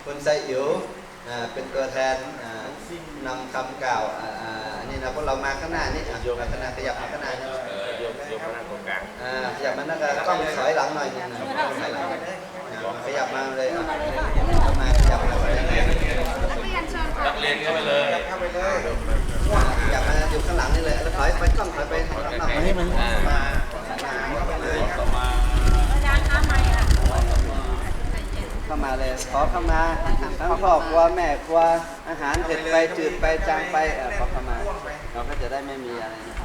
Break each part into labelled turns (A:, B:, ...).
A: คุณไซอิ๋วเป็นตัวแทนนำคำกล่าวอันนี้นะพวกเรามาข้างหน้านี่มาข้างหน้าขยับมาข้างหน้านี่
B: โยมมานั่งตรงกลาง
A: ขยับมานั่งกล้องถอยหลังหน่อยนึงนะขยับมาเลยมาขยับมา
B: นักเรียนเข้าไปเลย
A: ขยับมาอยู่ข้างหลังนี่เลยแล้วถอยไปกล้องถอยไปข้างหลังมานี่มันมาเข้ามาเลยขอเข้ามาทั้งพ่อครัวแม่ครัวอาหารเผ็ดไปจืดไปจางไปขอเข้ามาเราก็จะได้ไม่มีอะไรนะ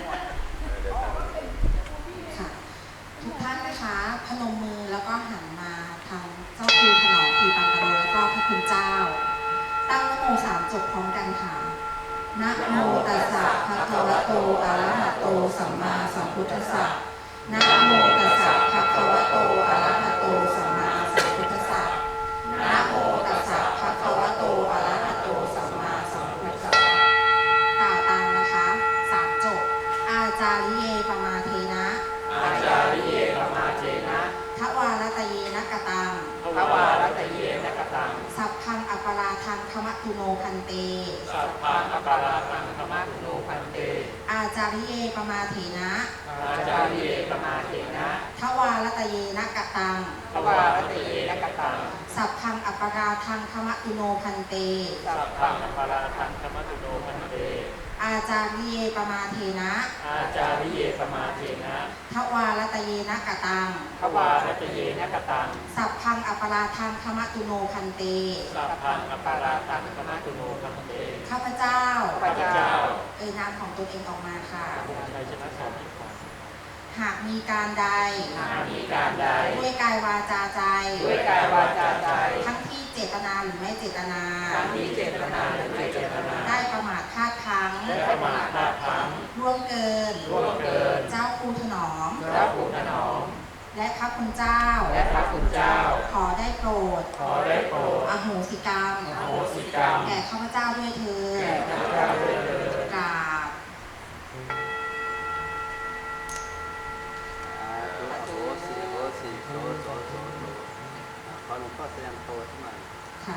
C: ค่ะทุกท่านนะคะพนมมือแล้วก็หันมาทางเจ้าครูถนอมทีปันกะโลแล้วก็พระคุณเจ้าตั้งนะโม3 จบพร้อมกันค่ะนะโมตัสสะภะคะวะโตอะระหะโตสัมมาสัมพุทธัสสะนะโมตัสสะภะคะวะโตอะระหะโตสัมมาสัมพุทธัสสะนะโมตัสสะภะคะวะโตอะระหะโตสัมมาสัมพุทธัสสะกล่าวตามนะคะ3 จบอาจาริเยปมาเทนะ
B: อาจาริเยปมาเทนะ
C: ทวารตเยนะกตัง
B: ทวารตเยนะกตัง
C: สัพพังอัปปาราทังคมะตุโนพันเต
B: สัพพังอัปปาราทังคมะตุโนพันเต
C: อาจาริเยปมาเถนะ
B: อาจาริเยปมาเถนะ
C: ทวารตเยนะกตัง
B: ทวารตเยนะกตัง
C: สัพพังอัปปาราทังคมะตุโนพันเต
B: สัพพังอัปปาราทังคมะตุโนพันเต
C: อาจาริเยปมาเถนะ
B: อาจาริเยปมาเถนะ
C: ทวารตเยนะกตัง
B: ทวารตเยนะกตัง
C: สัพพังอัปปาราทังคมะตุโนพันเต
B: สัพพังอัปปาราทังคมะตุโนพันเต
C: ข้าพเจ้า
B: น
C: ามของตนเองออกมาค่ะ
B: ชัยชนะสอน
C: หากมีการใดด้วยกายวาจาใจทั้งที่เจตนาหรือไม่เจตนาได้ประมาทพลาดพลั้งร่วงเกินเจ้าครูถนอมและพระคุณเจ้าขอได้โปรดอโหสิกรรมแก่ข้าพเจ้าด้วยเถิดกราบ
A: ขอหลวงพ่อแสดงโตขึ้นมา
C: ค่ะ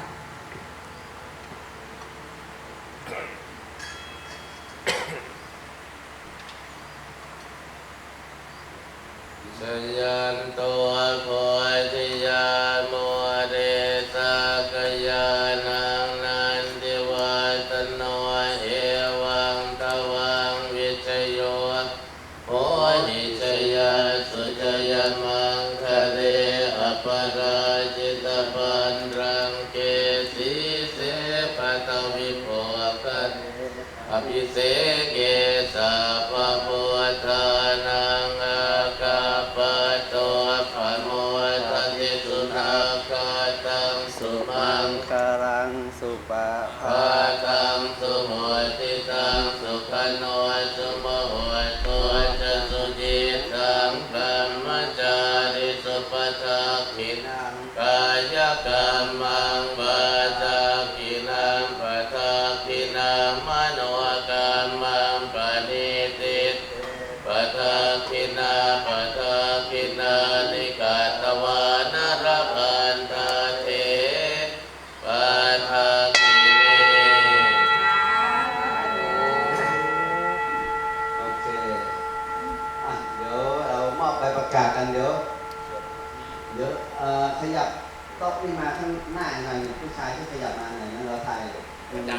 D: สัญญาณตัวโพธิญาณโมเดสักยานังนันติวัตโนเอวังตวังวิชโยโพธิชยาสุจยมังคะเลอปราจิตปันรังเกสีเสปตวิโภคันอภิเสเกสะปะพุทธานังอาคาปะโตภะโมทัติสุนาคาตังสุมัง
A: คารังสุปะ
D: ภาตังสุโหติตังสุขโนสุโมโหตุจะสุจิตังกัมมจาริสุปทักขินังกายกรรมังวาจากินังปทักขินังมโนกรรมังปณิติปทักขินาปทักขินานิกาตวานรพันธาเถปทักขิเน
A: โอเคเดี๋ยวเรามอบใบประกาศกันเดี๋ยวขยับโต๊ะนี่มาข้างหน้าหน่อยผู้ชายที่ขยับมาหน่อยเราถ่าย